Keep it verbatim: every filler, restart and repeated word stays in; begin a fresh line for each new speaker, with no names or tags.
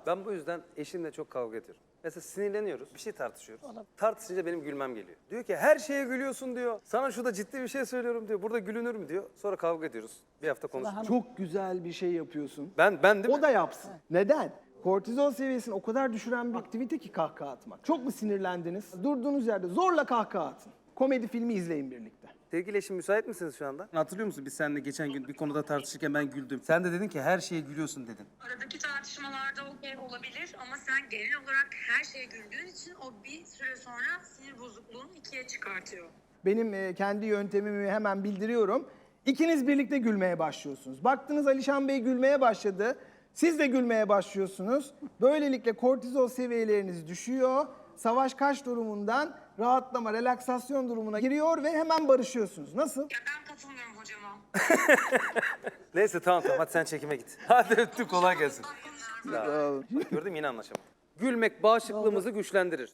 Ben bu yüzden eşimle çok kavga ediyorum. Mesela sinirleniyoruz, bir şey tartışıyoruz. Tartışınca benim gülmem geliyor. Diyor ki her şeye gülüyorsun diyor. Sana şurada ciddi bir şey söylüyorum diyor. Burada gülünür mü diyor. Sonra kavga ediyoruz. Bir hafta konuşuyoruz.
Çok güzel bir şey yapıyorsun.
Ben, ben değil mi?
O da yapsın. Neden? Kortizol seviyesini o kadar düşüren bir aktivite ki kahkaha atmak. Çok mu sinirlendiniz? Durduğunuz yerde zorla kahkaha atın. Komedi filmi izleyin birlikte.
Sevgili eşim müsait misiniz şu anda? Hatırlıyor musun biz seninle geçen gün bir konuda tartışırken ben güldüm. Sen de dedin ki her şeye gülüyorsun dedin.
Aradaki tartışmalarda okey olabilir ama sen genel olarak her şeye güldüğün için o bir süre sonra sinir bozukluğunu ikiye çıkartıyor.
Benim e, kendi yöntemimi hemen bildiriyorum. İkiniz birlikte gülmeye başlıyorsunuz. Baktınız Alişan Bey gülmeye başladı. Siz de gülmeye başlıyorsunuz. Böylelikle kortizol seviyeleriniz düşüyor. Savaş kaç durumundan rahatlama, relaksasyon durumuna giriyor ve hemen barışıyorsunuz. Nasıl?
Ya ben katılmıyorum hocama.
Neyse tamam tamam hadi sen çekime git. Hadi öptüm kolay gelsin.
Bunlar
Bak, gördün mü yine anlaşamadık. Gülmek bağışıklığımızı güçlendirir.